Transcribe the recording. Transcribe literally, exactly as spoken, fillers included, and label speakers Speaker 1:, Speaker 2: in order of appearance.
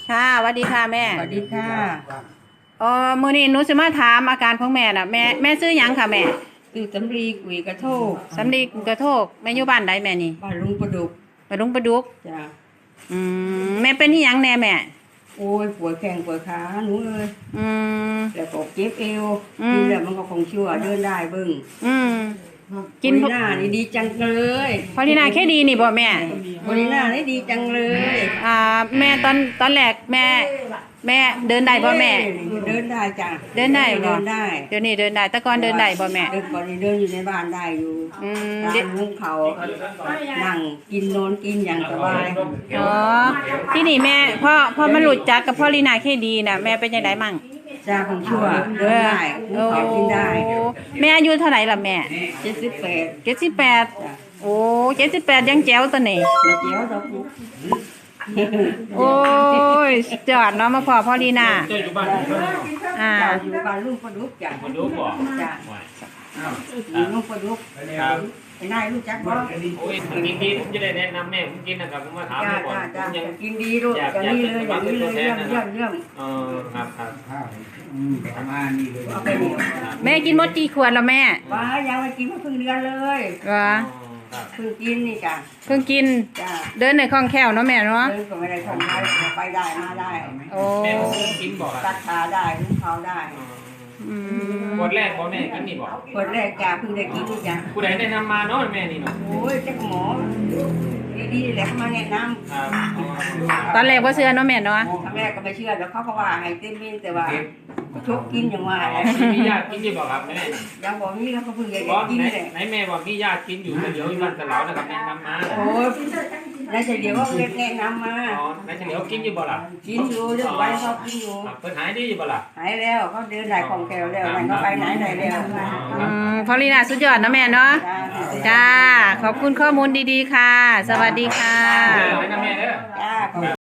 Speaker 1: ค่ะสวัสดีค่ะแม่
Speaker 2: สวัสดีค่ะ
Speaker 1: เอ๋อมื้อนี้หนูสิมาถามอาการของแม่น่ะแม่แม่ซื้อหยังค่ะแม่
Speaker 2: ตื่นสำลีกุยกระโทก
Speaker 1: สำลีกระโทกแม่อยู่บ้านใดแม่นี่
Speaker 2: บ้านลุงประดุก
Speaker 1: ไปลุงประดุก
Speaker 2: จ้ะ
Speaker 1: อืมแม่เป็นอีหยังแน่แม่
Speaker 2: โอ้ยปวดแข้งปวดขาหนูเอ้ย
Speaker 1: อืม
Speaker 2: แล้วก็เจ็บเอว
Speaker 1: อืม
Speaker 2: กินแล้วมันก็คงชั่วเดินได้เบิ่ง
Speaker 1: อืมกิน
Speaker 2: บริน่านี่ดีจังเลย
Speaker 1: พอลีนาแค่ดีนี่บ่แม่
Speaker 2: บริน่านี่ดีจังเลย
Speaker 1: อ่าแม่ตอนตอนแรกแม่แม่เดินได้บ่แม่
Speaker 2: เดินได้จ้ะ
Speaker 1: เดินได้บ่
Speaker 2: เดินได้
Speaker 1: เดี๋ยวนี้เดินได้แต่ก่อนเดินได้บ่แม่
Speaker 2: เดินก่อนนี่เดินอยู่ในบ้านได้อยู่
Speaker 1: อืม
Speaker 2: ตามลุงเขานั่งกินนอนกินอย่างสบาย
Speaker 1: อ๋อที่นี่แม่พ่อพ่อมารู้จักกับพ่อลีนาแค่ดีน่ะแม่เป็นจังไดมั่ง
Speaker 2: จ้าของชั่วเดินได้ลุงเขากินได้
Speaker 1: แม่อายุเท่าไหร่ล่ะแม่
Speaker 2: เจ็ดสิบแปด
Speaker 1: เจ็ดสิบแปดโอ้เจ็ดสิบแปดยังแจ๋วตัวนี้
Speaker 2: มาเจียวดอกลูก
Speaker 1: โอ้ยจอดเนาะมาพอพ่อลีนา
Speaker 3: เจ้าอยู่บ้านเพิ่นเนาะ
Speaker 1: อ่า
Speaker 2: เจ้าอยู่บ้านลุงประดุกจ้ะ
Speaker 3: คนดูบ่
Speaker 2: จ้ะ
Speaker 3: อ้าว
Speaker 2: อยู่ลุงประดุก
Speaker 3: ครับ
Speaker 2: ไอ้นายรู้จักบ่
Speaker 3: โอ้ยกินดีผมจะได้แนะนำแม่ผมกินนะครับผมมาถาม
Speaker 2: จ้า
Speaker 3: ก่อน
Speaker 2: จ้า
Speaker 3: ผมยั
Speaker 2: จ้าง กินดีลูกอย่างนี้เลยอย่างนี้เลยเยี่ยมเยี่ยมเยี่ยม
Speaker 3: เออครับครับ
Speaker 2: เอาไปเดียว
Speaker 1: แม่กินหมดกี่ขวดแล้วแม่
Speaker 2: ว้ายังไม่กินมาเพิ่งเดือนเลย
Speaker 1: วะ
Speaker 3: ครับ
Speaker 2: เพิ่งกินนี่จ้ะ
Speaker 1: เพิ่งกิน
Speaker 2: จ้า
Speaker 1: เดินในคล่องแคล่วเนาะแม่เนาะ
Speaker 2: เดินก็ไม่ได้ของได้ไปได้มาได้
Speaker 1: โอ้
Speaker 3: แม่ผมกินบ่ค
Speaker 2: ตั
Speaker 3: รับ
Speaker 2: ดขาได้ลุงเขาได้
Speaker 1: อืม
Speaker 3: คนแรกบ่แม่กินนี่บ่
Speaker 2: คนแรกจ้าเพิ่งได้กินนี่จ้ะ
Speaker 3: ผู้ใดแนะนำมาเนาะแม่นี่เนาะ
Speaker 2: โอ้ยเจ้าหมอดีๆแหละเขามาแนะนำ
Speaker 3: ครับ
Speaker 1: ตอนแรกว่าเชื่อเนาะแม่เนาะ
Speaker 2: ครั้งแรกก็ไม่เชื่อแล้วเขาก็ว่าให้เต้นมินแต่ว่าชกกินอย่างว่า
Speaker 3: มีญาติกินนี่บ่ครับแม่
Speaker 2: ยังบอกนี่เขาก็เพิ่งจะ
Speaker 3: บ่
Speaker 2: กิน
Speaker 3: ไหน
Speaker 2: เลย
Speaker 3: ไหนแม่บอกมีญาติกินอยู่เดี๋ยวอยู่บ้านตะเหลานะครับแนะนำมา
Speaker 2: โอ้ยนายเฉลียวว่าแนะนำมา
Speaker 3: อ๋อไหนเฉลียวกินอยู่บ่ล่ะ
Speaker 2: กินอยู่เรื่องไว้เขากินอยู่
Speaker 3: เพิ่นหายดีอยู่บ่ล่ะ
Speaker 2: หายแล้วเขาเดินได้ของแถวแล้วนั่นเขาไปไหนได้แล้ว
Speaker 1: อืมพอลีนาสุดยอดเนาะแม่เนาะจ้าขอบคุณข้อมูลดีๆค่ะ สวัสดีค่ะ
Speaker 3: เออให้นะแม่เด้อ
Speaker 2: จ้า